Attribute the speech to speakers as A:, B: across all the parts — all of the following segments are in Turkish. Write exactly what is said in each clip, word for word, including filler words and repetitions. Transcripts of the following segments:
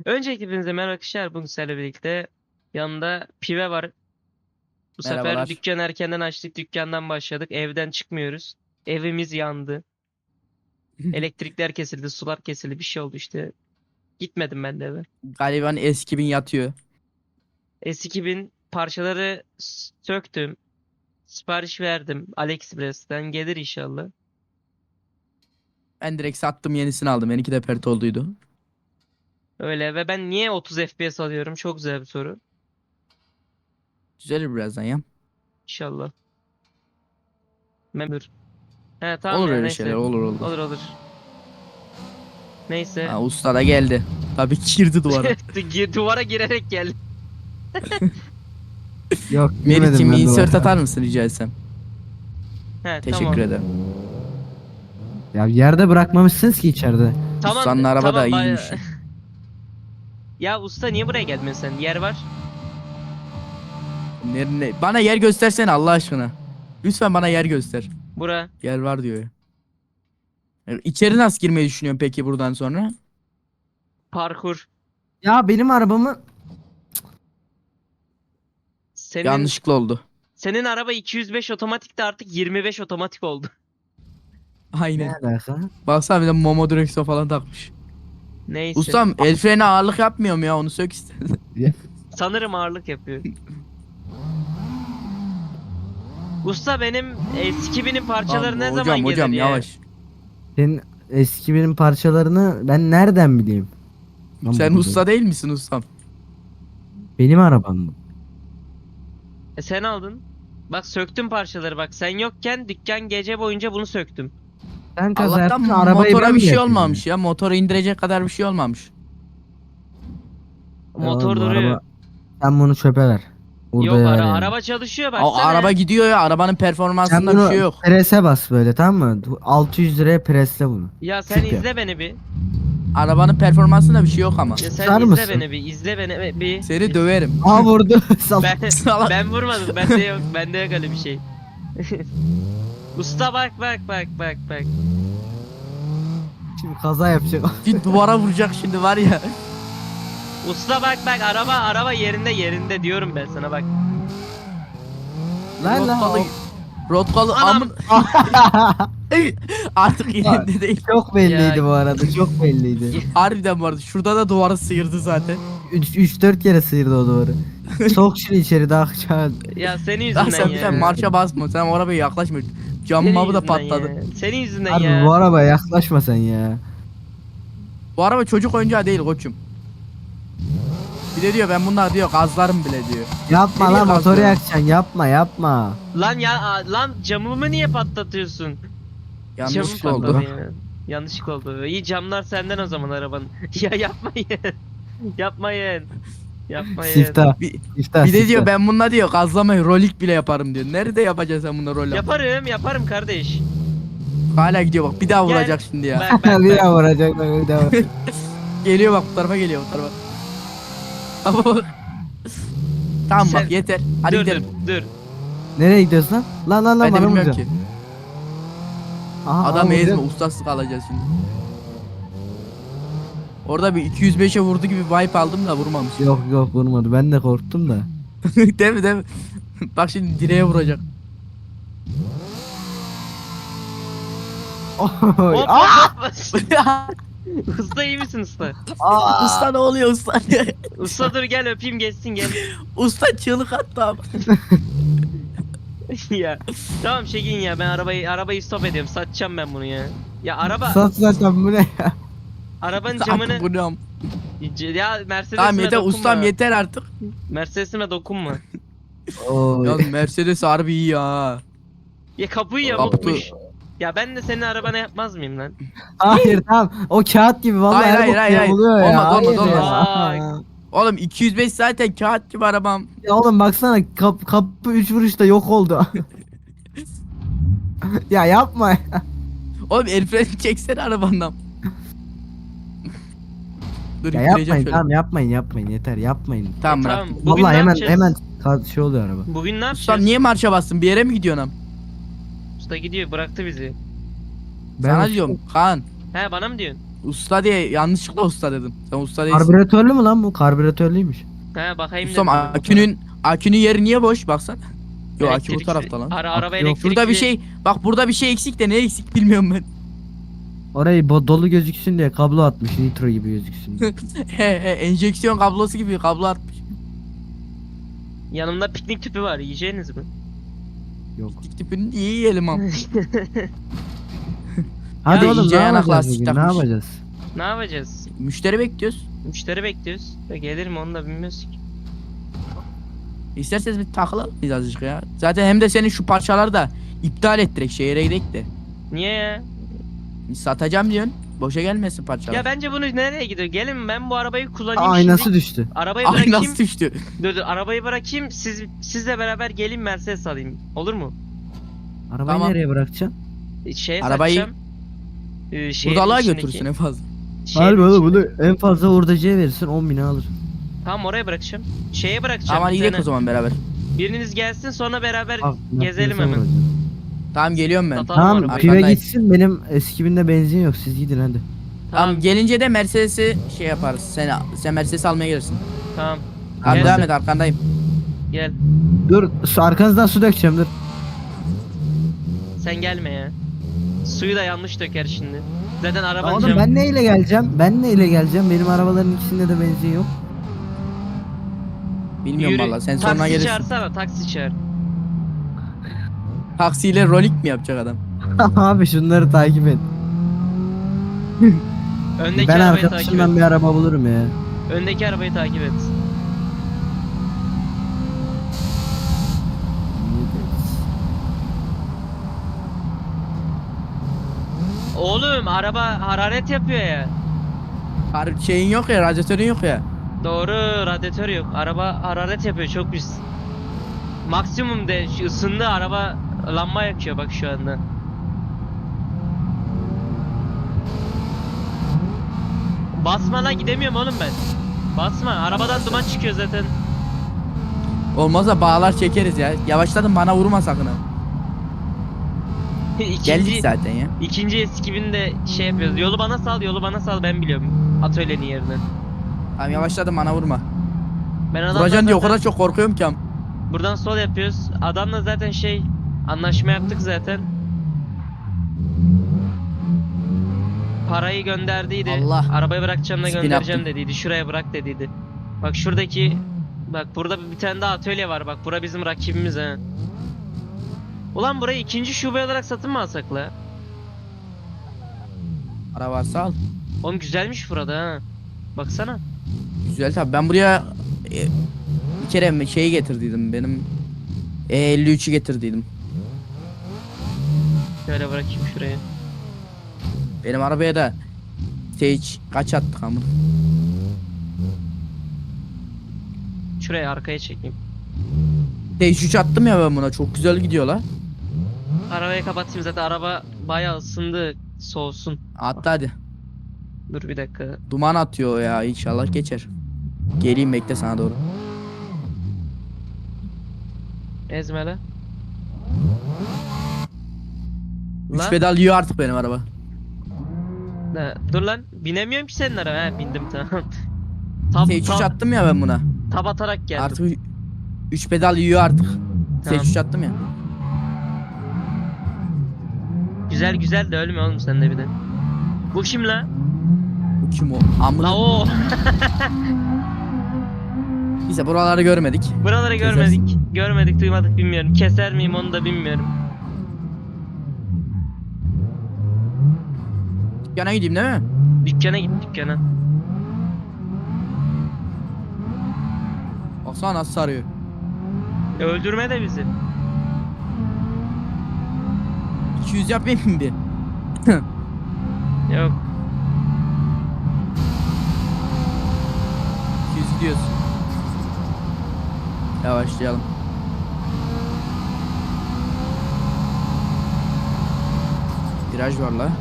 A: Öncelikle hepinize merhaba arkadaşlar. Bugün sizlerle birlikte yanında Pive var. Bu sefer
B: Merhabalar.
A: dükkan erkenden açtık. Dükkandan başladık. Evden çıkmıyoruz. Evimiz yandı. Elektrikler kesildi, sular kesildi. Bir şey oldu işte. Gitmedim ben de eve.
B: Galiba eski bin yatıyor.
A: S iki bin parçaları s- söktüm. Sipariş verdim. AliExpress'ten gelir inşallah.
B: Ben direkt sattım, yenisini aldım. Benimki de pert olduydu.
A: Öyle ve ben niye otuz F P S alıyorum? Çok güzel bir soru.
B: Düzelir birazdan ya.
A: İnşallah. Memur. He tamam
B: Olur
A: ya
B: öyle şeyler,
A: neyse.
B: olur olur.
A: Olur olur. Neyse.
B: Ha, usta da geldi. Tabii girdi duvara.
A: Du- Duvara girerek geldi.
C: Yok
B: Meriç'im
C: girmedim ben
B: insert
C: duvara.
B: atar mısın rica etsem?
A: He
B: Teşekkür
A: tamam.
B: ederim.
C: Ya yerde bırakmamışsınız ki içeride.
A: Tamam.
B: Ustanın araba
A: tamam,
B: da
A: bay-
B: iyiymiş.
A: Ya usta niye buraya gelmiyorsun sen? Yer var.
B: Ne, ne- Bana yer göstersene Allah aşkına. Lütfen bana yer göster.
A: Bura.
B: Yer var diyor ya. Yani İçeri nasıl girmeyi düşünüyorsun peki buradan sonra?
A: Parkur.
C: Ya benim arabamı
A: Senin
B: Yanlışlıkla oldu.
A: senin araba iki yüz beş otomatik de artık yirmi beş otomatik oldu.
C: ne
B: Aynen.
C: alaka?
B: Baksana bir de Momo direksiyon falan takmış.
A: Neyse.
B: Ustam el freni ağırlık yapmıyor mu ya, onu sök istedim.
A: Sanırım ağırlık yapıyor. Usta benim S iki binin parçaları ne
B: hocam
A: zaman gelir
B: hocam
A: ya?
B: yavaş.
C: Senin eski benim parçalarını ben nereden bileyim? Lan
B: Sen
C: bu-
B: usta değil misin ustam?
C: Benim arabam mı?
A: E sen aldın. Bak söktüm parçaları bak. Sen yokken dükkan gece boyunca bunu söktüm.
C: Sen kaza
B: Allah'tan
C: yaptın arabayı
B: motora
C: ben
B: bir
C: mi
B: şey
C: yapıyorum?
B: olmamış ya. Motoru indirecek kadar bir şey olmamış.
C: Ya
A: Motor
C: oğlum, bu
A: duruyor.
C: araba- Sen bunu çöpe ver. Burada
A: Yok
C: ver
A: ara,
C: yani.
A: araba çalışıyor
B: A-
A: baksana.
B: araba gidiyor ya. Arabanın
C: Sen
B: performansında
C: bunu
B: bir şey yok.
C: prese bas böyle, tamam mı? altı yüz liraya presle bunu.
A: Ya sen
C: Süper.
A: izle beni bir.
B: Arabanın performansında bir şey yok ama.
A: Ya sen
C: Susar
A: izle
C: mısın?
A: beni bir. İzle beni bir.
B: Seni döverim.
C: Aa vurdu. Sal-
A: Ben
B: Salak.
A: ben vurmadım. Bende yok. Bende yok öyle bir şey. Usta bak bak bak bak bak.
C: Şimdi kaza yapacak.
B: Bir duvara vuracak şimdi var ya.
A: Usta bak bak araba araba yerinde yerinde diyorum ben sana bak.
C: Lan lan.
B: Rotkalı. Rotkalı
A: Anam.
B: amın. Artık yerinde değil.
C: Çok belliydi
A: Ya-
C: bu arada. Çok belliydi.
B: Harbiden vardı. Şurada da duvarı sıyırdı zaten.
C: üç dört kere sıyırdı o duvarı. Sok şunu içeri daha çağır.
A: Ya senin
B: Lan
A: yüzünden
B: sen bir
A: ya.
B: de marşa basma. Sen o arabaya yaklaşma.
A: Senin
B: Camımı da
A: yüzünden
B: patladı.
A: ya. Senin yüzünden
C: Harbi
A: ya.
C: bu arabaya yaklaşma sen ya.
B: Bu araba çocuk oyuncağı değil koçum. Bir de diyor ben bunlar diyor gazlarım bile diyor.
C: Yapma
B: Nereye
C: lan, motoru
B: kalkıyor?
C: yakacaksın, yapma yapma.
A: Lan ya a- lan camımı niye patlatıyorsun?
B: Yanlışlıkla
A: Camım
B: oldu.
A: patladı ya. Yanlışlıkla oldu. İyi camlar senden o zaman arabanın. Ya yapmayın. Yapmayın. Yapmayın.
C: Siftah.
B: Bir,
C: Siftah.
B: bir de
C: siftah.
B: diyor ben bununla diyor gazlamayı rolik bile yaparım diyor. Nerede yapacaksın sen bununla rol yap?
A: Yaparım yaparım kardeş.
B: Hala gidiyor bak bir daha
A: Gel.
B: vuracak şimdi ya.
A: Bak bak
C: bir
A: bak.
C: daha vuracak bak, bir daha vuracak.
B: Geliyor bak bu tarafa geliyor bu tarafa. Ama bak. Tamam
A: Sen-
B: bak yeter. Hadi
A: dur,
B: gidelim.
A: dur dur.
C: Nereye gidiyorsun lan? Lan lan lan
B: Ben de
C: bana
B: bilmiyorum
C: vuracaksın.
B: ki.
C: Aha,
B: Adam
C: aha,
B: ezme
C: vuracak.
B: ustaslık alacağız şimdi. Orada bir iki yüz beşe vurdu gibi vibe aldım da vurmamış.
C: Yok yok vurmadı, ben de korktum da.
B: değil mi değil mi? Bak şimdi direğe vuracak.
C: Oy,
A: Hop,
C: aa!
A: hop, hop. Usta iyi misin usta?
C: Aa!
B: Usta ne oluyor usta?
A: Usta dur gel öpeyim geçsin gel.
B: Usta çığlık attı abi.
A: Ya tamam Şegin ya ben arabayı arabayı stop ediyorum satacağım ben bunu ya. Ya araba
C: Sat zaten bu ne ya?
A: arabanın
B: Artık
A: camını
B: bu ne am-
A: ya Mercedes'ime
B: Tamam yeter
A: dokunma.
B: ustam yeter artık.
A: Mercedes'ime dokunma.
C: Oy.
B: Ya Mercedes harbi iyi ya.
A: Ya kapıyı
B: Kapı-
A: yamultmuş. Ya ben de senin arabana yapmaz mıyım lan?
C: Hayır tamam, o kağıt gibi vallahi
B: Hayır,
C: her
B: hayır,
C: bok
B: hayır, hayır.
C: oluyor ya.
B: Olmaz, olmaz,
C: Hayır
A: olmaz.
C: ya.
B: Oğlum iki yüz beş zaten kağıt gibi arabam.
C: Ya oğlum baksana, kap, kapı üç vuruşta yok oldu. Ya yapma ya.
B: Oğlum el freni çeksene arabandan. Dur
C: Ya
B: ittireceğim
C: yapmayın
B: şöyle.
C: tamam, yapmayın yapmayın yeter, yapmayın.
B: Tamam
A: E,
B: bırak.
A: tamam. Bugün
C: Vallahi
A: ne
C: hemen
A: yapacağız?
C: hemen ka- şey oluyor araba.
A: Bugün ne
B: Ustam
A: yapacağız?
B: niye marşa bastın? Bir yere mi gidiyorsun am?
A: Usta gidiyor bıraktı bizi.
B: Sana
C: Ben
B: diyorum Kaan.
A: He bana mı diyorsun?
B: usta diye yanlışlıkla usta dedim. Sen usta değilsin.
C: Karbüratörlü mü lan bu? Karbüratörlüymüş.
A: He bakayım
B: Ustam
A: dedim.
B: akünün akünün yeri niye boş baksana. Yo akü bu
A: Elektrikli-
B: tarafta lan.
A: Ara, araba
C: Yok,
A: elektrikli.
B: Şurada bir şey bak burada bir şey eksik de ne eksik bilmiyorum ben.
C: Orayı bo- dolu gözüksün diye kablo atmış. Nitro gibi gözüksün diye.
B: He he enjeksiyon kablosu gibi kablo atmış.
A: Yanımda piknik tüpü var. Yiyeceğiniz mi?
C: Yok.
B: Dik tipini iyi yiyelim ama.
C: Hadi
B: Ya
C: oğlum
B: iyice
C: ne
B: yanak
C: yapacağız
B: lastik
C: bugün? Ne
B: takmış.
C: yapacağız?
A: Ne yapacağız?
B: Müşteri bekliyoruz.
A: Müşteri bekliyoruz. Ya gelir mi onu da bilmiyoruz ki.
B: İsterseniz bir takılalım biz azıcık ya. Zaten hem de senin şu parçaları da iptal ettirek şehire gidelim de.
A: Niye ya?
B: Satacağım diyorsun. Boşa gelmesin parçalar.
A: Ya bence bunu nereye gidiyor? Gelin ben bu arabayı kullanayım
C: Aynası
A: şimdi.
C: düştü.
A: Arabayı
B: Ay
A: bırakayım.
B: nasıl düştü?
A: Dur dur arabayı bırakayım. Siz sizle beraber gelin Mercedes alayım. Olur mu?
C: Arabayı
B: Tamam.
C: nereye bırakacaksın?
A: Şeye
B: Arabayı-
A: satacağım. Ee, şehrin
B: Buradalığa
A: içindeki-
B: götürsün en fazla.
A: şehrin
C: Harbi oğlum
A: içinde-
C: bunu en fazla hurdacıya verirsin on bine alır.
A: Tamam oraya bırakacağım. Şeye bırakacağım.
B: Tamam
A: bir
B: gidelim
A: tane.
B: o zaman beraber.
A: Biriniz gelsin sonra beraber
C: Bak,
A: gezelim
C: Mercedes'e
A: hemen.
C: vuracağım.
B: Tamam geliyorum ben.
A: Satalım
C: Tamam
A: arabayı.
C: pive
B: Arkandayım.
C: gitsin benim eski binde benzin yok siz gidin hadi.
B: Tamam gelince de Mercedes'i şey yaparız. Sen sen Mercedes almaya gelirsin.
A: Tamam.
B: Abi
A: Gel.
B: devam et arkandayım.
A: Gel.
C: Dur su, arkanızdan su dökeceğim dur.
A: Sen gelme ya. Suyu da yanlış döker şimdi. Zaten
C: Ya
A: arabanın
C: oğlum
A: camı-
C: ben neyle geleceğim? Ben neyle geleceğim? Benim arabaların ikisinde de benzin yok.
B: Bilmiyorum
A: Yürü.
B: valla sen sonra
A: Taksi
B: gelirsin.
A: çağırsana taksi çağır.
B: Taksiyle rolik mi yapacak adam?
C: Abi şunları takip et.
A: Öndeki
C: Ben
A: arabayı takip et.
C: arkadaşımdan bir araba bulurum ya.
A: Öndeki arabayı takip et. Oğlum araba hararet yapıyor ya.
B: Har şeyin yok ya, radyatörün yok ya.
A: Doğru radyatör yok. Araba hararet yapıyor çok pis. Maksimum de şu ısındı araba lamba yakıyor bak şu anda. Basma lan gidemiyorum oğlum ben. Basma arabadan duman çıkıyor zaten.
B: Olmazsa bağlar çekeriz ya. Yavaşladın bana vurma sakın ha.
A: İkinci,
B: Geldik zaten ya.
A: ikinci eski binde şey yapıyoruz. Yolu bana sal, yolu bana sal ben biliyorum. Atölyenin yerini.
B: Tamam yavaşladım bana vurma.
A: Ben adamla
B: Vuracaksın diye o
A: zaten
B: kadar çok korkuyorum ki. am.
A: buradan sol yapıyoruz. Adamla zaten şey anlaşma yaptık zaten. Parayı gönderdiydi.
B: Allah.
A: Arabayı bırakacağım da
B: Spin
A: göndereceğim
B: yaptım.
A: dediydi. Şuraya bırak dediydi. Bak şuradaki bak burada bir tane daha atölye var. Bak bura bizim rakibimiz ha. Ulan burayı ikinci şube olarak satın mı alsak la?
B: Para varsa al.
A: Oğlum güzelmiş burada ha. Baksana.
B: Güzel tabi ben buraya e, bir kere şeyi getirdiydim benim E elli üçü getirdiydim.
A: Şöyle bırakayım şuraya.
B: Benim arabaya da Stage kaç attık ama.
A: Şuraya arkaya çekeyim.
B: Stage üç attım ya ben buna çok güzel gidiyor la.
A: Arabayı kapatayım zaten araba bayağı ısındı. Soğusun.
B: Attı hadi.
A: Dur bir dakika.
B: Duman atıyor ya inşallah geçer. Geleyim bekle sana doğru.
A: Ezme la.
B: Üç
A: Lan.
B: pedal yiyor artık benim araba.
A: Ha, dur lan. Binemiyorum ki senin arabaya. Ha, bindim tamam. Tab,
B: Stage üç
A: tab,
B: attım ya ben buna.
A: tab atarak geldim.
B: Artık üç pedal yiyor artık. Stage
A: Tamam.
B: üç attım ya.
A: Güzel güzel de ölme oğlum sen de bir de. Bu kim la?
B: Bu kim o? Amına.
A: La o.
B: Neyse buraları görmedik.
A: Buraları
B: Kesersin.
A: görmedik. Görmedik duymadık bilmiyorum. Keser miyim onu da bilmiyorum.
B: Yana gideyim değil mi?
A: Dükkana git dükkana.
B: Baksana nasıl sarıyor.
A: E, öldürme de bizi.
B: iki yüz yapayım mı bir?
A: Yok.
B: iki yüz gidiyoruz. Yavaşlayalım. Viraj var la.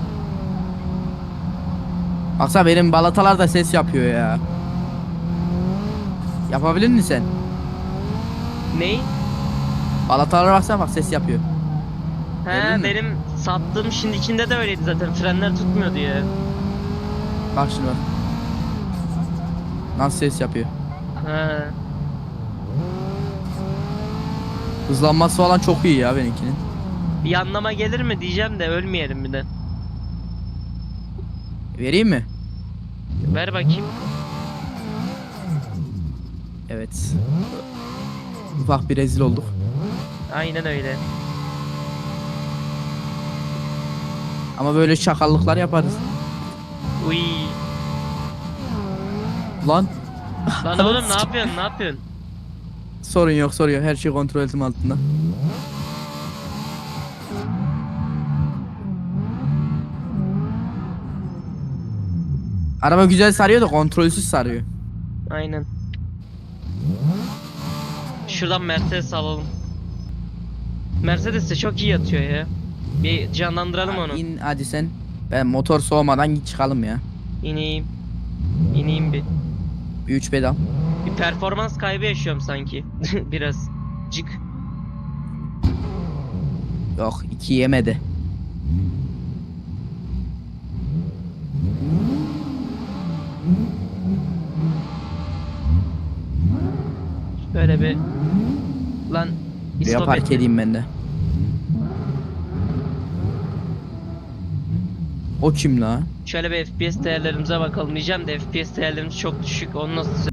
B: Baksana benim balatalar da ses yapıyor ya. Yapabilir misin sen?
A: Ney?
B: Balatalara baksana bak ses yapıyor.
A: He
B: Gördün mü?
A: benim sattığım şimdikinde de öyleydi zaten. Frenler tutmuyordu ya.
B: Bak şimdi bak. Nasıl ses yapıyor.
A: Ha.
B: Hızlanması falan çok iyi ya benimkinin.
A: Bir yanlama gelir mi diyeceğim de ölmeyelim bir de.
B: Vereyim mi?
A: Ver bakayım.
B: Evet. Ufak bir rezil olduk.
A: Aynen öyle.
B: Ama böyle şakallıklar yaparız.
A: Uy.
B: Lan.
A: Lan oğlum ne yapıyorsun ne yapıyorsun?
B: Sorun yok sorun yok. Her şey kontrol etim altında. Araba güzel sarıyor da kontrolsüz sarıyor.
A: Aynen. Şuradan Mercedes alalım. Mercedes de çok iyi yatıyor ya. Bir canlandıralım onu.
B: İn hadi sen. Ben motor soğumadan git çıkalım ya.
A: İneyim. İneyim bir.
B: Bir üç pedal.
A: Bir performans kaybı yaşıyorum sanki. Biraz. Cık.
B: Yok iki yemedi.
A: Böyle bir. Lan.
B: Buraya
A: istop
B: park
A: etti.
B: edeyim ben de. O kim la?
A: Şöyle bir F P S değerlerimize bakalım diyeceğim de F P S değerlerimiz çok düşük. Onu nasıl sö-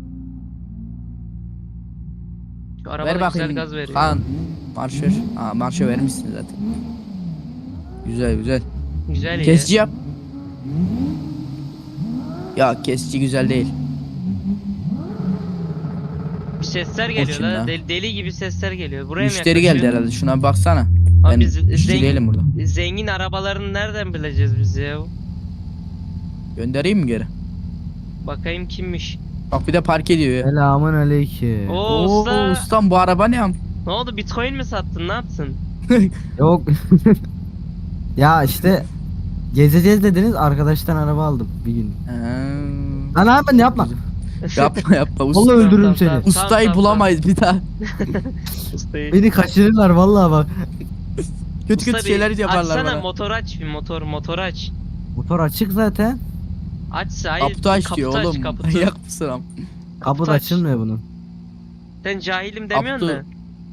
A: Şu araba
B: Ver
A: da güzel
B: bakayım.
A: gaz veriyor.
B: Kaan. Marşör. Aa marşör vermişsin zaten. Güzel güzel.
A: Güzel ya.
B: Kesici yap. Ya kesici güzel değil.
A: Bir sesler geliyor
B: kim
A: la.
B: lan?
A: Deli, deli gibi sesler geliyor. Buraya
B: Müşteri
A: mı
B: geldi
A: yaklaşıyor?
B: herhalde. Şuna bir baksana.
A: Abi
B: Ben
A: biz
B: işçi
A: zengin,
B: değilim burada.
A: zengin arabalarını nereden bileceğiz biz ya?
B: Göndereyim mi geri?
A: Bakayım kimmiş.
B: Bak bir de park ediyor ya.
C: Selamun aleyküm.
A: Oo,
B: Oo
A: usta.
B: ustam bu araba ne am?
A: Ne oldu, bitcoin mi sattın, ne yaptın?
C: Yok. Ya işte gezeceğiz dediniz, arkadaştan araba aldım bir gün.
B: Ee,
C: Lan abi yapma.
B: yapma yapma usta.
C: Vallahi öldürürüm
A: Tamam,
C: seni.
A: tamam.
B: Ustayı
A: tamam,
B: bulamayız bir daha.
A: Ustayı.
C: Beni kaçırırlar vallahi bak.
B: Kötü
A: Usta
B: kötü
A: bir
B: şeyler yaparlar
A: açsana,
B: bana.
A: motor aç bir, motor motor aç.
C: Motor açık zaten.
A: Açsa hayır.
B: Kaputu aç diyor
A: kaputu
B: oğlum.
A: Aç, kaputu.
B: Yak mısın am?
C: Kaput
A: aç.
C: açılmıyor bunun.
A: Sen cahilim demiyorsun
B: Kaputu.
A: da.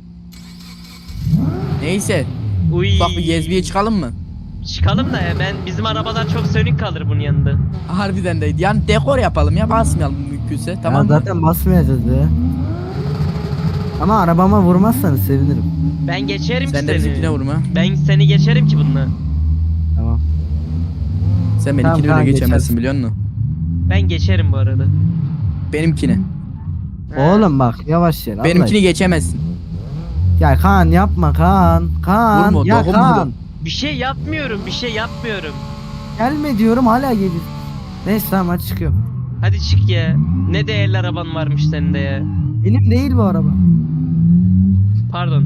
B: Neyse.
A: Uy.
B: Ufak bir gezmeye çıkalım mı?
A: Çıkalım da ya, ben bizim arabalar çok sönük kalır bunun yanında.
B: Harbiden de. Yani dekor yapalım ya basmayalım mümkünse. Tamam
C: Ya
B: mı?
C: zaten basmayacağız ya. Ama arabama vurmazsanız sevinirim.
A: Ben geçerim
B: Sen
A: ki
B: de
A: seni.
B: bizimkine vurma.
A: Ben seni geçerim ki bununla.
C: Tamam.
B: Sen
C: Tamam,
B: benimkini
C: tamam,
B: öyle geçemezsin
C: geçersin.
B: biliyor musun?
A: Ben geçerim bu arada.
B: Benimkini.
A: Ha.
C: Oğlum bak yavaş yer.
B: Benimkini
C: Allah-
B: geçemezsin.
C: Ya Kaan yapma Kaan. Kaan.
B: Vurma,
C: ya
B: dokunma
C: Kaan.
B: da.
A: Bir şey yapmıyorum, bir şey yapmıyorum.
C: Gelme diyorum hala gelir. Neyse tamam hadi çıkıyorum.
A: Hadi çık ya. Ne değerli araban varmış senin de ya.
C: Benim değil bu araba.
A: Pardon.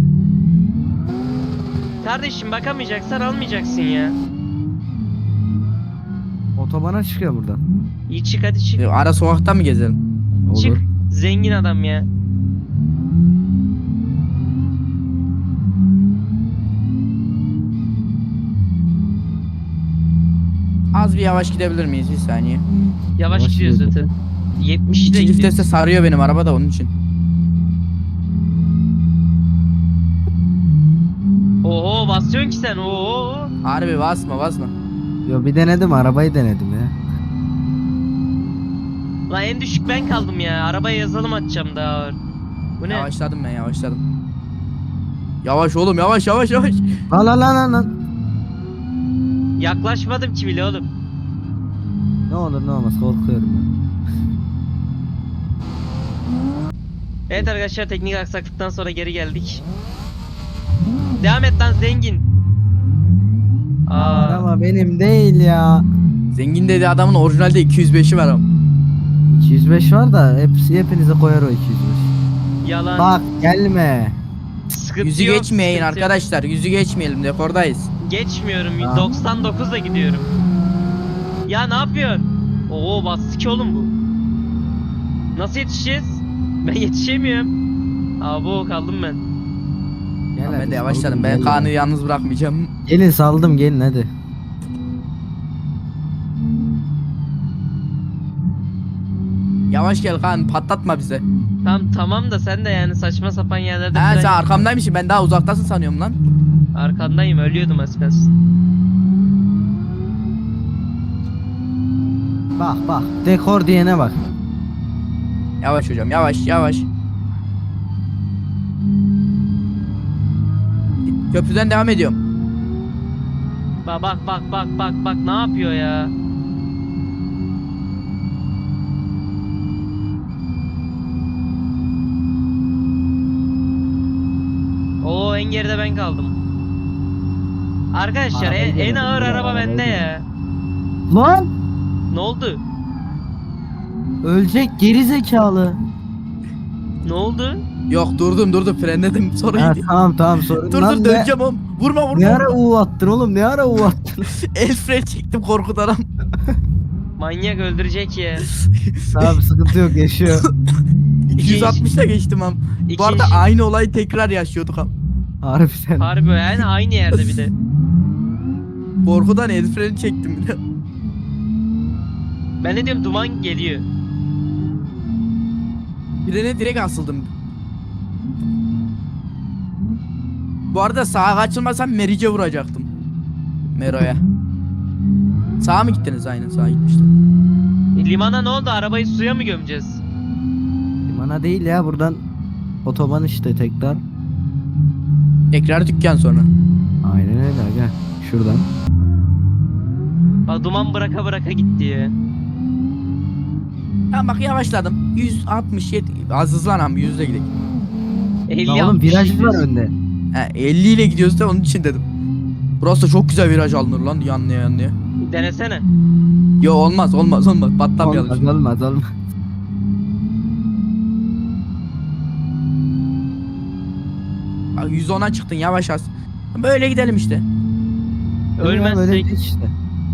A: Kardeşim bakamayacaksan almayacaksın ya.
C: Otobana çıkıyor buradan.
A: İyi çık, hadi çık.
B: E, Ara sokakta mı gezelim?
C: Olur.
A: Çık. Zengin adam ya.
B: Az bir yavaş gidebilir miyiz bir saniye?
A: Yavaş
C: Yavaş
A: gidiyor
C: gidiyor
A: zaten. yetmişte
B: İkinci
A: gidiyor.
B: viteste sarıyor benim araba da onun için.
A: Oho, basıyorsun ki sen. Oho.
B: Harbi basma basma.
C: Yo bir denedim arabayı denedim ya.
A: Lan en düşük ben kaldım ya. Arabaya yazılım atacağım daha ağır. Bu ne?
B: Yavaşladım ben yavaşladım. Yavaş oğlum yavaş yavaş yavaş.
C: Lan lan lan lan, lan.
A: Yaklaşmadım ki bile oğlum.
C: Ne olur ne olmaz korkuyorum ben.
A: Evet arkadaşlar, teknik aksaklıktan sonra geri geldik. Devam et lan zengin. Aa,
C: Araba benim değil ya.
B: Zengin dedi adamın orijinalde iki yüz beşi var ama.
C: iki yüz beş var da hepsi hepinize koyar o iki yüz beş.
A: yalan.
C: Bak gelme.
A: Sıkıntı
B: Yüzü
A: yok,
B: geçmeyin
A: sıkıntı yok.
B: arkadaşlar. Yüzü geçmeyelim dekordayız.
A: Geçmiyorum.
C: Tamam.
A: doksan dokuzla gidiyorum. Ya ne yapıyorsun? Oo, bastı ki oğlum bu. Nasıl yetişeceğiz? Ben yetişemiyorum. Abo, kaldım ben.
C: Gel
B: Tamam, ben
C: hadi,
B: de yavaşladım.
C: saldım,
B: Ben
C: gel.
B: Kaan'ı yalnız bırakmayacağım.
C: Gelin saldım gelin hadi.
B: Yavaş gel kan, patlatma bize.
A: Tam tamam da sen de yani saçma sapan yerlerde
B: Ha
A: fren
B: sen
A: yapma.
B: arkamdaymışsın, ben daha uzaktasın sanıyorum lan.
A: Arkandayım, ölüyordum az kalsın.
C: Bak bak dekor diyene bak.
B: Yavaş hocam, yavaş yavaş. Köprüden devam ediyorum.
A: Bak bak bak bak bak bak ne yapıyor ya? Oo, en geride ben kaldım. Arkadaşlar
C: Arabayı
A: en, en
C: denedim,
A: ağır
C: bile,
A: araba
C: arabayı
A: bende
C: denedim.
A: ya.
C: Lan
A: Ne oldu?
C: ölecek geri zekalı.
A: Ne oldu?
B: Yok durdum durdum, frenledim sonra
C: Ha,
B: iyiydi.
C: tamam tamam sorun.
B: Dur
C: Lan
B: dur
C: ne,
B: döneceğim oğlum. Vurma vurma.
C: ne ara
B: vurma.
C: U attın oğlum ne ara U attın.
B: El fren çektim korkudan.
A: Manyak öldürecek ya.
C: Tamam sıkıntı yok yaşıyor.
B: iki yüz altmışla geçtim am. Bu arada
A: İkinci-
B: aynı olayı tekrar yaşıyorduk am.
C: Harbiden.
A: Harbi yani aynı yerde bir de.
B: Korkudan el freni çektim bile.
A: Ben ne diyorum, duman geliyor.
B: Birine direkt asıldım. Bu arada sağa kaçılmasam Meriç'e vuracaktım. Mero'ya. Sağa mı gittiniz? Aynen sağa gitmişler.
A: Limana ne oldu? Arabayı suya mı gömeceğiz?
C: Limana değil ya buradan otoban işte tekrar.
B: Tekrar dükkan sonra.
C: Aynen öyle aga. Şuradan.
A: Bak duman bıraka bıraka gitti ya.
B: Ya bak yavaşladım. yüz altmış yedi. Az hızlanam, yüzle gidelim.
A: elli
C: Lan oğlum
A: altmış
C: viraj var
A: gidiyoruz.
C: önde.
B: He, elli ile gidiyoruz da onun için dedim. Burası da çok güzel viraj alınır lan yanlıya yanlıya.
A: Denesene.
B: Yo olmaz olmaz olmaz, patlamayalım.
C: Olmaz olmaz olmaz.
B: Bak yüz ona çıktın, yavaş az. Böyle gidelim işte.
C: Öyle
A: Ölmezsek.
C: geç işte.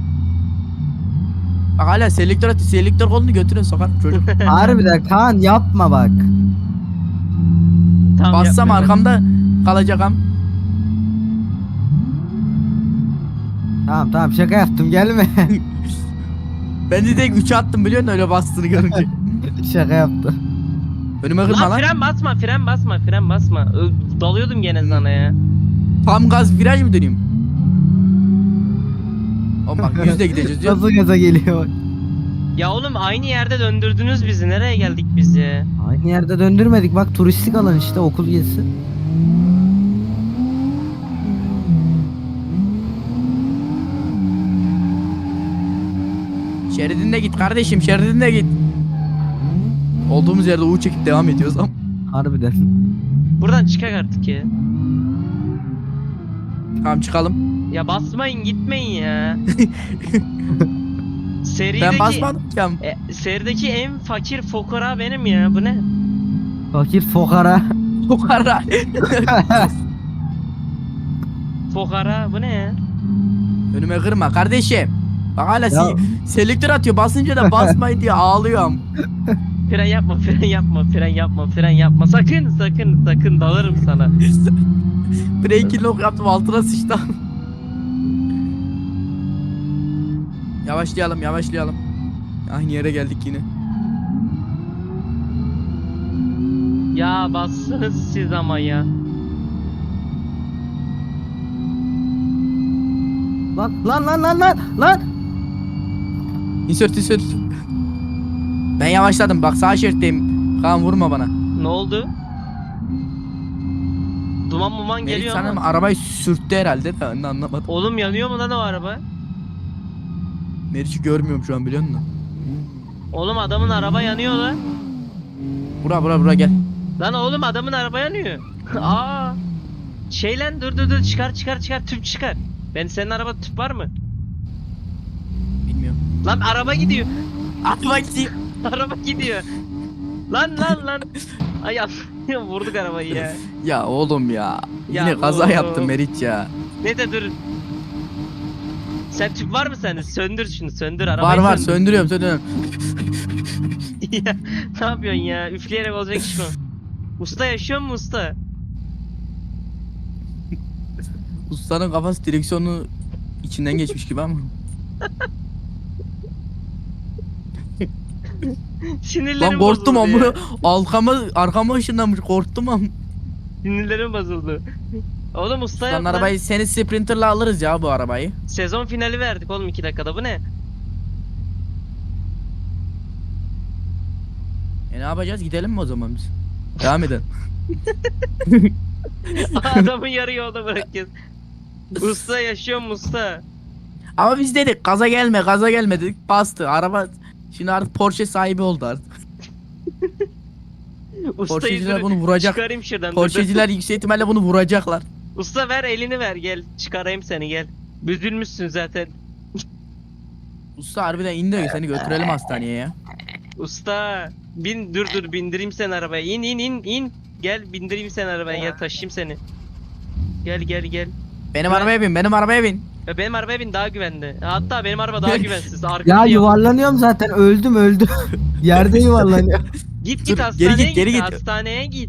B: Bak hala selektör atıyor. Selektör kolunu götürün sokar çocuk.
C: Harbiden Kaan yapma bak.
A: Tamam,
B: Bassam
A: yapma.
B: arkamda kalacak am.
C: Tamam tamam şaka yaptım gelme.
B: Ben de direkt üçe attım biliyor musun öyle bastığını görünce.
C: Şaka yaptım.
B: Önüme kırma
A: Lan
B: lan.
A: fren basma, fren basma, fren basma. Ö- Dalıyordum gene sana ya.
B: Tam gaz viraj mı döneyim? Oğlum bak yüzle gideceğiz diyor.
C: Nasıl gaza geliyor bak.
A: Ya oğlum aynı yerde döndürdünüz bizi. Nereye geldik biz ya?
C: Aynı yerde döndürmedik bak turistik alan işte okul gezisi.
B: Şeridinde git kardeşim, şeridinde git. Olduğumuz yerde U çekip devam ediyoruz ama.
C: Harbiden.
A: Buradan çıkak artık ya.
B: Tamam çıkalım.
A: Ya basmayın, gitmeyin ya. Serideki,
B: Ben basmadım ki am.
A: E, serideki en fakir fokara benim ya. Bu ne?
C: Fakir fokara.
B: O kadar.
A: Fokara bu ne ya?
B: Önüme kırma kardeşim. Bak hala
C: Ya-
B: si- selektör atıyor, basınca da basmayın diye ağlıyorum.
A: Fren yapma, fren yapma, fren yapma, fren yapma. Sakın, sakın, sakın dalarım sana.
B: Breaking lock yaptım, altına sıçtım. Yavaşlayalım yavaşlayalım. Aynı yere geldik yine.
A: Ya bassınız siz ama ya.
C: Lan lan lan lan lan lan.
B: İnsert insert. Ben yavaşladım bak, sağ şeritteyim. Kaan vurma bana.
A: Ne oldu? Duman muman
B: Melik
A: geliyor
B: sanırım
A: ama.
B: arabayı sürttü herhalde de ben de anlamadım.
A: Oğlum yanıyor mu lan o araba?
B: Meriç'i görmüyorum şu an biliyor musun?
A: Oğlum adamın araba yanıyor lan.
B: Bura bura bura gel.
A: Lan oğlum adamın araba yanıyor. Aa. Şey lan, dur dur dur, çıkar çıkar çıkar, tüp çıkar. Ben senin araba tüp var mı?
B: Bilmiyorum.
A: Lan araba gidiyor.
B: Atma gideyim.
A: Araba gidiyor. Lan lan lan. Ay Allah, vurduk arabayı ya.
B: Ya oğlum ya.
A: Ya
B: Yine kaza
A: oğlum.
B: yaptım Meriç ya.
A: Ne de dur. Sen tüp var mı sende? Söndür şunu, söndür
B: Var
A: arabayı.
B: var
A: söndür.
B: söndürüyorum söndürüyorum.
A: Ya, ne yapıyorsun ya? Üfleyerek olacak iş mi? Usta yaşıyor mu usta?
B: Ustanın kafası direksiyonu içinden geçmiş gibi ama.
A: Sinirlerim
B: Lan korktum
A: bozuldu
B: amına.
A: ya.
B: Arkama
A: Sinirlerim
B: lan korktum
A: bozuldu
B: amına.
A: ya.
B: Arkama arkama ışınlanmış korktum am.
A: Sinirlerim bozuldu. Oğlum usta
B: Lan
A: yok lan.
B: arabayı seni Sprinter'la alırız ya bu arabayı.
A: Sezon finali verdik oğlum iki dakikada, bu ne?
B: E ne yapacağız? Gidelim mi o zaman biz? Devam edelim.
A: Adamı yarı yolda bırakıyoruz. Usta yaşıyor mu usta?
B: Ama biz dedik gaza gelme gaza gelme dedik bastı. Araba şimdi artık Porsche sahibi oldu artık.
A: Ustayı
B: Porscheciler
A: dur-
B: bunu vuracak.
A: Çıkarayım şuradan. dur, dur.
B: Porscheciler yüksek ihtimalle bunu vuracaklar.
A: Usta ver elini ver, gel çıkarayım seni, gel. Büzülmüşsün zaten.
B: Usta harbiden in de seni götürelim hastaneye ya.
A: Usta bin, dur dur bindireyim seni arabaya. İn in in in. Gel bindireyim seni arabaya, gel taşıyayım seni. Gel gel gel.
B: Benim
A: Ben-
B: arabaya bin benim arabaya bin.
A: Ya benim arabaya bin, daha güvenli. Hatta benim araba daha güvensiz.
C: Ya
A: Arkamda
C: yuvarlanıyorum zaten, öldüm öldüm. Yerde yuvarlanıyorum.
A: Git
B: Dur,
A: git
B: geri
A: hastaneye
B: git,
A: git,
B: geri git.
A: hastaneye git.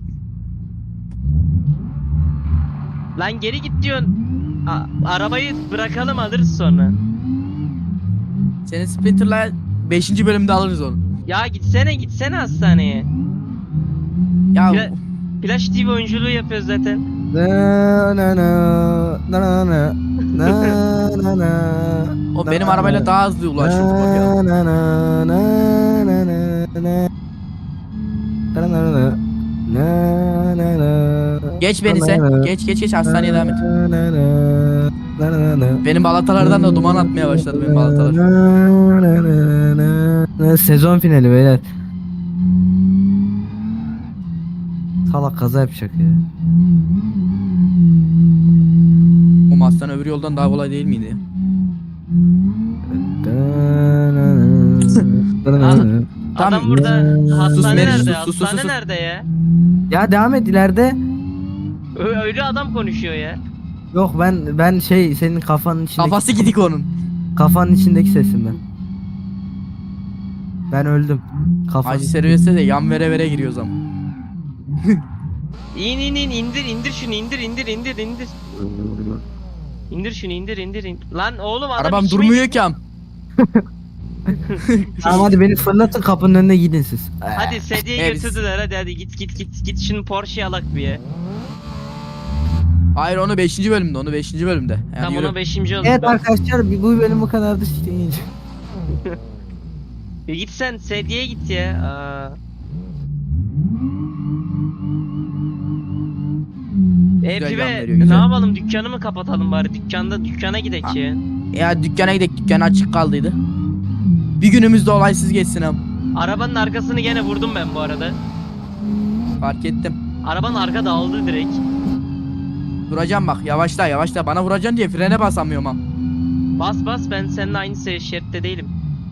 A: Lan geri git diyorsun. A- arabayı bırakalım, alırız sonra.
B: Senin Sprinter'la beşinci bölümde alırız onu.
A: Ya gitsene gitsene hastaneye.
B: Ya
A: Pla- Flash T V oyunculuğu yapıyoruz zaten.
C: Na na na na na na na na.
B: o benim arabayla daha hızlı ulaşırdı bakalım.
C: Na na na na na na na. Na na na. Na na na.
B: Geç beni
C: Na
B: sen.
C: na.
B: Geç geç geç hastaneye devam et.
C: Na na na. Na na na.
B: Benim balatalardan da duman atmaya başladı benim balatalar.
C: Na na na na na. Sezon finali beyler. Salak kaza yapacak ya.
B: O hastane öbür yoldan daha kolay değil miydi?
A: Adam
B: Tamam.
A: burada hastane
B: Meriç,
A: nerede?
B: sus, sus, sus,
A: Hastane
B: sus.
A: nerede ya?
C: Ya devam et ileride.
A: Ö- Öyle adam konuşuyor ya.
C: Yok ben ben şey senin kafanın içindeki
B: Kafası gidik onun.
C: kafanın içindeki sesim ben. Ben öldüm. Kafanın
B: Acil servise de yan vere vere giriyoruz ama.
A: İn in in indir indir şunu, indir indir indir indir. İndir şunu, indir indir indir. Lan oğlum adam
B: Arabam
A: içime-
B: durmuyor ki am.
C: Tamam hadi beni fırlatın, kapının önüne gidin siz.
A: Hadi sedye
B: Evet.
A: götürdüler, hadi hadi git git git git şunu Porsche'ye alak bir ya.
B: Hayır onu beşinci bölümde onu beşinci bölümde. Yani
A: Tam
B: yürü.
A: ona beşinci oldu.
C: Evet
A: Ben-
C: arkadaşlar bu bu bölüm bu kadardı. İşte.
A: Ya git sen sedyeye git ya. Aa. E
B: Güzel
A: pibe,
B: yan veriyor,
A: ne
B: güzel.
A: yapalım, dükkanı mı kapatalım bari, dükkanda dükkana gidek ya.
B: Ya dükkana gidelim, dükkan açık kaldıydı. Bir günümüz de olaysız geçsin am.
A: Arabanın arkasını gene vurdum ben bu arada.
B: Fark ettim.
A: Arabanın arka dağıldı direkt.
B: Duracağım bak yavaşla yavaşla bana vuracaksın diye frene basamıyorum am.
A: Bas bas, ben seninle aynı se- şeritte değilim.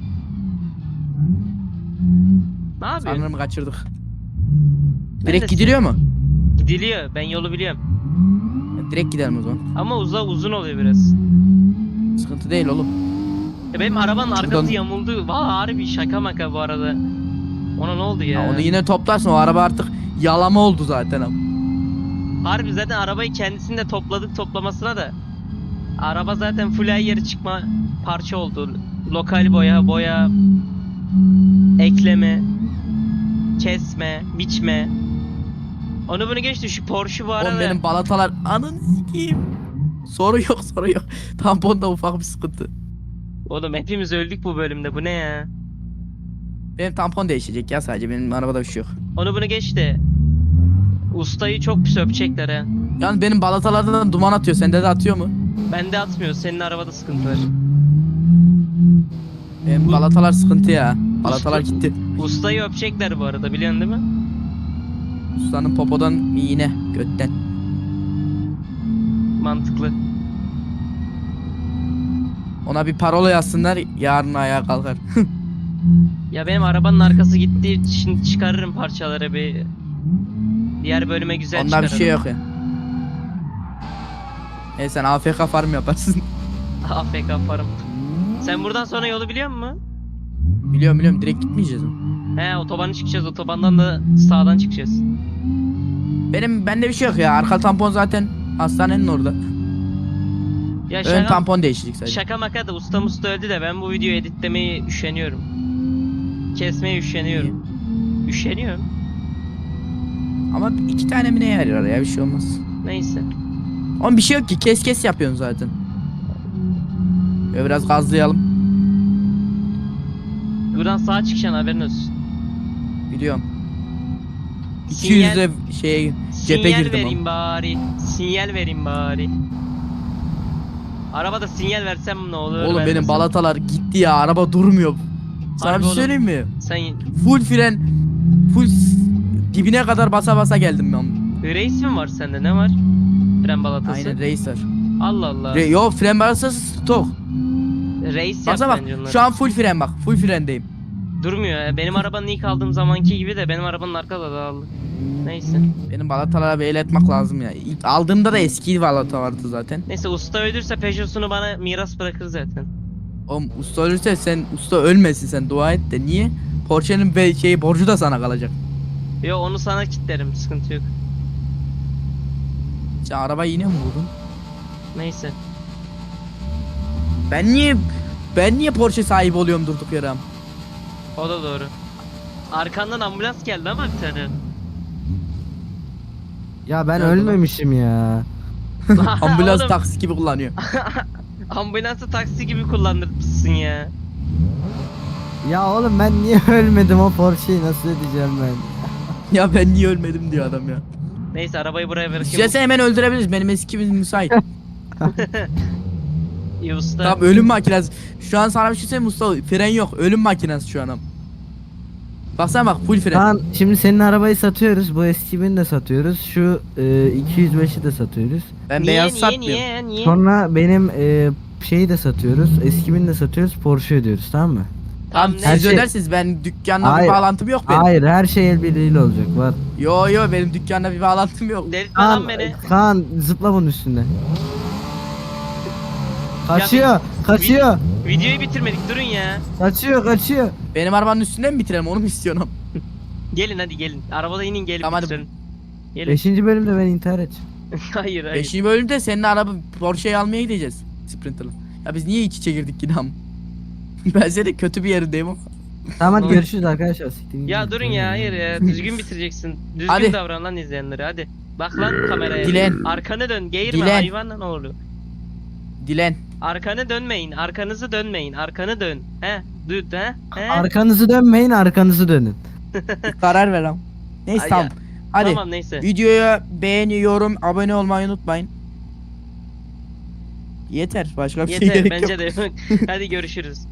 A: Ne yapıyorsun?
B: Sanırım kaçırdık.
A: Ben
B: Direkt
A: de-
B: gidiliyor mu?
A: Gidiliyor, ben yolu biliyorum.
B: Direkt gidelim o zaman.
A: Ama uza uzun oluyor biraz.
B: Sıkıntı değil oğlum.
A: Ya benim arabanın arkası
B: Şuradan-
A: yamuldu. Valla harbi şaka maka bu arada. Ona ne oldu ya?
B: Ya onu yine toplarsın o araba artık yalama oldu zaten am.
A: Harbi zaten arabayı kendisinde topladık toplamasına da. Araba zaten full her yeri çıkma parça oldu. Lokal boya, boya, ekleme, kesme, biçme. Onu bunu geçti, şu Porsche bu arada.
B: Oğlum benim balatalar anın sikeyim. Soru yok soru yok. Tamponda ufak bir sıkıntı.
A: Oğlum hepimiz öldük bu bölümde, bu ne ya?
B: Benim tampon değişecek ya sadece benim arabada bir şey yok.
A: Onu bunu geçti. Ustayı çok pis öpecekler ha.
B: Yalnız benim balatalardan duman atıyor sende de atıyor mu?
A: Bende atmıyor, senin arabada sıkıntı var.
B: Benim balatalar sıkıntı ya. Balatalar gitti.
A: Ustayı öpecekler bu arada, biliyorsun değil mi?
B: Ustanın popodan iğne götten.
A: Mantıklı.
B: Ona bir parola yazsınlar yarın ayağa kalkar.
A: Ya benim arabanın arkası gitti, şimdi çıkarırım parçaları bir. Diğer bölüme güzel
B: Onda
A: çıkarırım.
B: bir şey yok ya. E sen A F K farm yaparsın.
A: A F K yaparım. Sen buradan sonra yolu biliyor musun?
B: Biliyorum biliyorum direkt gitmeyeceğiz mi?
A: He, otobanı çıkacağız, otobandan da sağdan çıkacağız.
B: Benim bende bir şey yok ya. Arka tampon zaten hastanenin orada.
A: Ya
B: Ön
A: şaka,
B: tampon değişecek sadece.
A: şaka maka da usta musta öldü de ben bu videoyu editlemeyi üşeniyorum. kesmeye üşeniyorum. Üşeniyorum.
B: Ama iki tane mi ne yarıyor ya, bir şey olmaz.
A: Neyse.
B: Oğlum bir şey yok ki, kes kes yapıyorsun zaten. Böyle biraz gazlayalım.
A: Buradan sağa çıkacaksın, haberin olsun.
B: Biliyorum.
A: Sinyal-
B: iki yüzde şeye cephe
A: Sinyal
B: girdim
A: vereyim
B: ama.
A: bari. Sinyal vereyim bari. Arabada sinyal versem ne olur?
B: Oğlum benim
A: vermesem?
B: balatalar gitti ya, araba durmuyor. Sana
A: Harbi
B: bir şey
A: oğlum.
B: söyleyeyim mi?
A: Sen
B: Full fren, full s- dibine kadar basa basa geldim ben.
A: reis mi var sende, ne var? Fren balatası.
B: Aynen racer.
A: Allah Allah.
B: Re Yo, fren balatası stok.
A: Reis yap
B: Baksana bak,
A: bence onlar.
B: şu an full fren bak, full frendeyim.
A: Durmuyor ya. Benim arabanın ilk aldığım zamanki gibi de benim arabanın arkada dağıldı. Neyse.
B: Benim balatalara bir el etmek lazım ya. İlk aldığımda da eski balata vardı zaten.
A: Neyse, usta ölürse Peugeot'sunu bana miras bırakır zaten.
B: Oğlum usta ölürse sen, usta ölmesin, sen dua et de, niye? Porsche'nin be şeyi borcu da sana kalacak.
A: Yo, onu sana kilitlerim, sıkıntı yok.
B: Sen arabayı yine mi vurdun?
A: Neyse.
B: Ben niye ben niye Porsche sahibi oluyorum durduk yere?
A: O da doğru. Arkandan ambulans geldi ama bir tane.
C: Ya ben
B: Nerede lan?
C: ölmemişim ya.
B: Ambulans
A: Oğlum,
B: taksi gibi kullanıyor.
A: ambulansı taksi gibi kullandırmışsın ya.
C: Ya oğlum ben niye ölmedim, o Porsche'yi nasıl edeceğim ben?
B: Ya ben niye ölmedim diyor adam ya.
A: Neyse, arabayı buraya bırakayım.
B: İstersen hemen öldürebiliriz, benim eskimiz müsait.
A: İyi usta.
B: Tamam, ölüm makinesi. Şu an sana bir şey söyleyeyim mi usta? Fren yok, ölüm makinesi şu an. Baksana bak, full fren.
C: Kaan, şimdi senin arabayı satıyoruz. Bu eski bini de satıyoruz. Şu e, iki yüz beşi de satıyoruz.
B: Ben
A: niye,
B: beyaz
A: niye,
B: satmıyorum.
A: niye, niye?
C: Sonra benim e, şeyi de satıyoruz. Eski bini de satıyoruz. Porsche ödüyoruz, tamam mı?
B: Tamam,
A: Tamam,
C: her
B: siz
C: şey-
B: ödersiniz, ben dükkanla
C: Hayır.
B: bir bağlantım yok benim.
C: Hayır, her şey el birliğiyle olacak. Var.
B: Yo yo, benim dükkanla bir bağlantım yok.
A: Delirtme lan
C: Kaan,
A: beni.
C: Kaan zıpla bunun üstüne. Kaçıyor, kaçıyor,
A: Videoyu bitirmedik, durun ya.
C: kaçıyor, kaçıyor.
B: Benim arabanın üstünden mi bitirelim, onu mu istiyorsun?
A: Gelin hadi gelin. Arabada inin, gelin
B: Tamam, hadi.
A: bitirelim. Gelin.
C: Beşinci bölümde ben intihar edeceğim.
A: hayır hayır.
B: Beşinci bölümde senin araba Porsche'yi almaya gideceğiz. Sprinter'la. Ya biz niye iç içe girdik yine am? Ben senin kötü bir yerindeyim ama.
C: Tamam hadi görüşürüz arkadaşlar. Siktirin
A: Ya
C: gidin.
A: durun ya, hayır ya. Düzgün bitireceksin. Düzgün
B: Hadi.
A: davran lan izleyenlere, hadi. Bak lan kameraya.
B: Dilen.
A: Arkanı dön, geğirme
B: Dilen.
A: hayvan ne olur.
B: Dilen.
A: Arkanı dönmeyin, arkanızı dönmeyin, arkanı dön. He, düt he, he.
C: Arkanızı dönmeyin, arkanızı dönün.
B: Bir karar ver am. Neyse
A: Ay
B: tamam.
A: ya.
B: Hadi.
A: Tamam neyse.
B: Videoya beğeni, yorum, abone olmayı unutmayın. Yeter. Başka bir şey
A: Yeter
B: gerek
A: bence
B: yok.
A: de. Hadi görüşürüz.